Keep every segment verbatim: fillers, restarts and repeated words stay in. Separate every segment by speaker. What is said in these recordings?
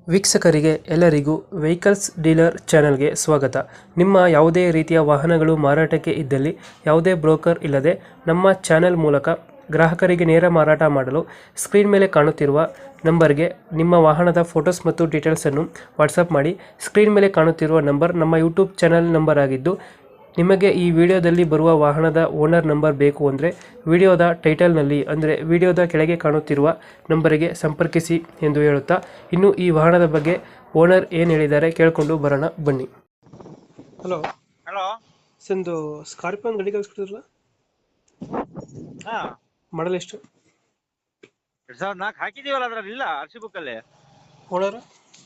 Speaker 1: ವೀಕ್ಷಕರಿಗೆ ಎಲ್ಲರಿಗೂ vehicles dealer ಚಾನೆಲ್ಗೆ ಸ್ವಾಗತ. ನಿಮ್ಮ ಯಾವುದೇ ರೀತಿಯ ವಾಹನಗಳು ಮಾರಾಟಕ್ಕೆ ಇದ್ದಲ್ಲಿ ಯಾವುದೇ ಬ್ರೋಕರ್ ಇಲ್ಲದೆ ನಮ್ಮ ಚಾನೆಲ್ ಮೂಲಕ ಗ್ರಾಹಕರಿಗೆ ನೇರ ಮಾರಾಟ ಮಾಡಲು ಸ್ಕ್ರೀನ್ ಮೇಲೆ ಕಾಣುತ್ತಿರುವ ನಂಬರ್ಗೆ ನಿಮ್ಮ ವಾಹನದ ಫೋಟೋಸ್ ಮತ್ತು ಡೀಟೇಲ್ಸನ್ನು ವಾಟ್ಸಪ್ ಮಾಡಿ. ಸ್ಕ್ರೀನ್ ಮೇಲೆ ಕಾಣುತ್ತಿರುವ ನಂಬರ್ ನಮ್ಮ ಯೂಟ್ಯೂಬ್ ಚಾನೆಲ್ ನಂಬರ್ ಆಗಿದ್ದು, ನಿಮಗೆ ಈ ವಿಡಿಯೋದಲ್ಲಿ ಬರುವ ವಾಹನದ ಓನರ್ ನಂಬರ್ ಬೇಕು ಅಂದರೆ ವಿಡಿಯೋದ ಟೈಟಲ್ನಲ್ಲಿ ಅಂದರೆ ವಿಡಿಯೋದ ಕೆಳಗೆ ಕಾಣುತ್ತಿರುವ ನಂಬರಿಗೆ ಸಂಪರ್ಕಿಸಿ ಎಂದು ಹೇಳುತ್ತಾ, ಇನ್ನು ಈ ವಾಹನದ ಬಗ್ಗೆ ಓನರ್ ಏನು ಹೇಳಿದ್ದಾರೆ ಕೇಳಿಕೊಂಡು ಬರೋಣ ಬನ್ನಿ. Hello
Speaker 2: hello.
Speaker 1: ಸಂದು ಸ್ಕಾರ್ಪಿಯೋ ಗಾಡಿ ಕಳಿಸ್ಕೊಡಿದ್ರಲ್ಲ,
Speaker 2: ಹಾ,
Speaker 1: ಮಾಡಲ್ ಎಷ್ಟು?
Speaker 2: ಎರಡ್ ಸಾವಿರದ ನಾಲ್ಕು ಹಾಕಿದೀವಲ್ಲ, ಅದ್ರಲ್ಲಿ ಇಲ್ಲ ಆರ್ ಸಿ ಬುಕ್ ಅಲ್ಲಿ.
Speaker 1: ಓನರ್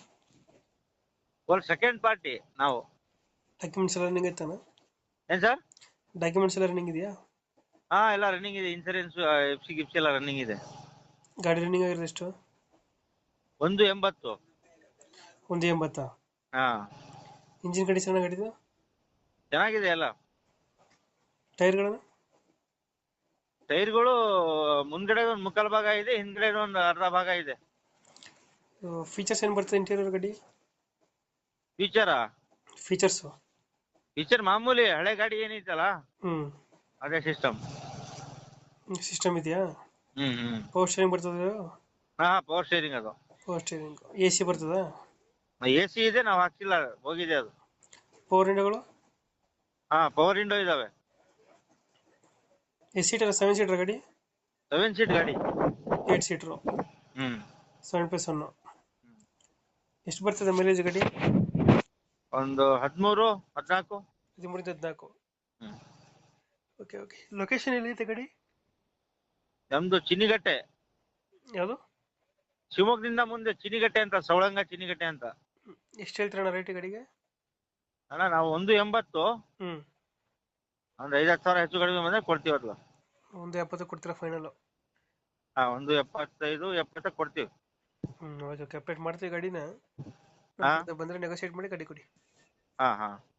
Speaker 2: ಒಂದು ಸೆಕೆಂಡ್ ಪಾರ್ಟಿ ನಾವು.
Speaker 1: ಡಾಕ್ಯುಮೆಂಟ್ಸ್ ಎಲ್ಲ ರನ್ನಿಂಗ್ ಐತಾನ?
Speaker 2: ಏನ್ ಸರ್?
Speaker 1: ಡಾಕ್ಯುಮೆಂಟ್ಸ್ ಎಲ್ಲ ರನ್ನಿಂಗ್ ಇದೆಯಾ?
Speaker 2: ಹಾ, ಎಲ್ಲ ರನ್ನಿಂಗ್ ಇದೆ. ಇನ್ಸೂರೆನ್ಸ್, ಎಫ್ ಸಿ ಗಿಫ್ಸಿ ಎಲ್ಲ ರನ್ನಿಂಗ್ ಇದೆ.
Speaker 1: ಗಾಡಿ ರನ್ನಿಂಗ್ ಆಗಿರೋದು ಎಷ್ಟು?
Speaker 2: ಒಂದು ಎಂಬತ್ತು.
Speaker 1: ಒಂದು ಎಂಬತ್ತಾ?
Speaker 2: ಹಾ,
Speaker 1: ಇಂಜಿನ್ ಕಂಡೀಷನ್ ಗಾಡಿದು
Speaker 2: ಚೆನ್ನಾಗಿದೆ ಎಲ್ಲ.
Speaker 1: ಟೈರ್ಗಳನ್ನು?
Speaker 2: ಟೈರ್ಗಳು ಮುಂದ್ಗಡೆ ಒಂದು ಮುಕ್ಕಾಲು ಭಾಗ ಇದೆ, ಹಿಂದ್ಗಡೆ ಒಂದು ಅರ್ಧ ಭಾಗ ಇದೆ.
Speaker 1: ಫೀಚರ್ಸ್ ಏನು ಬರ್ತದೆ ಇಂಟೀರಿಯರ್ ಗಾಡಿ?
Speaker 2: ಫೀಚರಾ?
Speaker 1: ಫೀಚರ್ಸು
Speaker 2: ಫೀಚರ್ ಮಾಮೂಲಿ ಹಳೆ ಗಾಡಿ ಏನೈತಲ್ಲ
Speaker 1: ಹ್ಞೂ
Speaker 2: ಅದೇ ಸಿಸ್ಟಮ್.
Speaker 1: ಸಿಸ್ಟಮ್ ಇದೆಯಾ?
Speaker 2: ಹ್ಮ್ ಹ್ಮ್
Speaker 1: ಪವರ್ ಸ್ಟೇರಿಂಗ್ ಬರ್ತದೆ?
Speaker 2: ಹಾ, ಪವರ್ ಸ್ಟೇರಿಂಗ್ ಅದು.
Speaker 1: Power steering. ಎ ಸಿ ಬರ್ತದ?
Speaker 2: ಎ ಸಿ ಇದೆ, ನಾವು ಹಾಕ್ಸಿಲ್ಲ, ಹೋಗಿದೆ ಅದು.
Speaker 1: ಪವರ್ ವಿಂಡೋಗಳು?
Speaker 2: ಹಾ, ಪವರ್ ವಿಂಡೋ ಇದಾವೆ.
Speaker 1: ಎಷ್ಟು ಸೀಟರ್? ಸೆವೆನ್ ಸೀಟರ್ ಗಾಡಿ?
Speaker 2: ಸೆವೆನ್ ಸೀಟ್ ಗಾಡಿ.
Speaker 1: Eight seater.
Speaker 2: ಹ್ಮ್
Speaker 1: ಸೆವೆನ್ ಪ್ಲಸ್ ಒನ್. ಎಷ್ಟು ಬರ್ತದೆ ಮೈಲೇಜ್ ಗಾಡಿ?
Speaker 2: ಒಂದು ಹದಿಮೂರು ಹದಿನಾಲ್ಕು.
Speaker 1: ಹದಿಮೂರಿಂದ ಹದಿನಾಲ್ಕು.
Speaker 2: ಹ್ಮ್.
Speaker 1: Okay okay. ಲೊಕೇಶನ್ ಎಲ್ಲಿದೆ ಗಾಡಿ?
Speaker 2: ನಮ್ದು ಚಿನಿಗಟ್ಟೆ.
Speaker 1: ಯಾವುದು?
Speaker 2: ಶಿವಮೊಗ್ಗದಿಂದ ಮುಂದೆ ಚಿನಿಗಟ್ಟೆ ಅಂತ, ಸವಳಂಗ ಚಿನಿಗಟ್ಟೆ ಅಂತ.
Speaker 1: ಎಷ್ಟು ಹೇಳ್ತೀರಣ್ಣ ರೇಟ್ ಗಾಡಿಗೆ?
Speaker 2: ಅಣ್ಣ ನಾವು ಒಂದು ಎಂಬತ್ತು,
Speaker 1: ಹ್ಞೂ
Speaker 2: ಒಂದು ಐದತ್ತು ಸಾವಿರ ಹೆಚ್ಚು ಕಡಿಮೆ ಬಂದ್ರೆ ಕೊಡ್ತೀವಲ್ಲ.
Speaker 1: ಒಂದು ಎಪ್ಪತ್ತು ಕೊಡ್ತೀರಾ ಫೈನಲ್?
Speaker 2: ಹಾ, ಒಂದು ಎಪ್ಪತ್ತೈದು ಎಪ್ಪತ್ತಕ್ಕೆ ಕೊಡ್ತೀವಿ.
Speaker 1: ಹ್ಞೂ ಓಕೆ ಓಕೆ. ಅಪ್ಡೇಟ್ ಮಾಡ್ತೀವಿ ಗಾಡಿನ.
Speaker 2: ಹಾ
Speaker 1: ಬಂದರೆ ನೆಗೋಷಿಯೇಟ್ ಮಾಡಿ ಗಾಡಿ ಕೊಡಿ.
Speaker 2: ಹಾ ಹಾ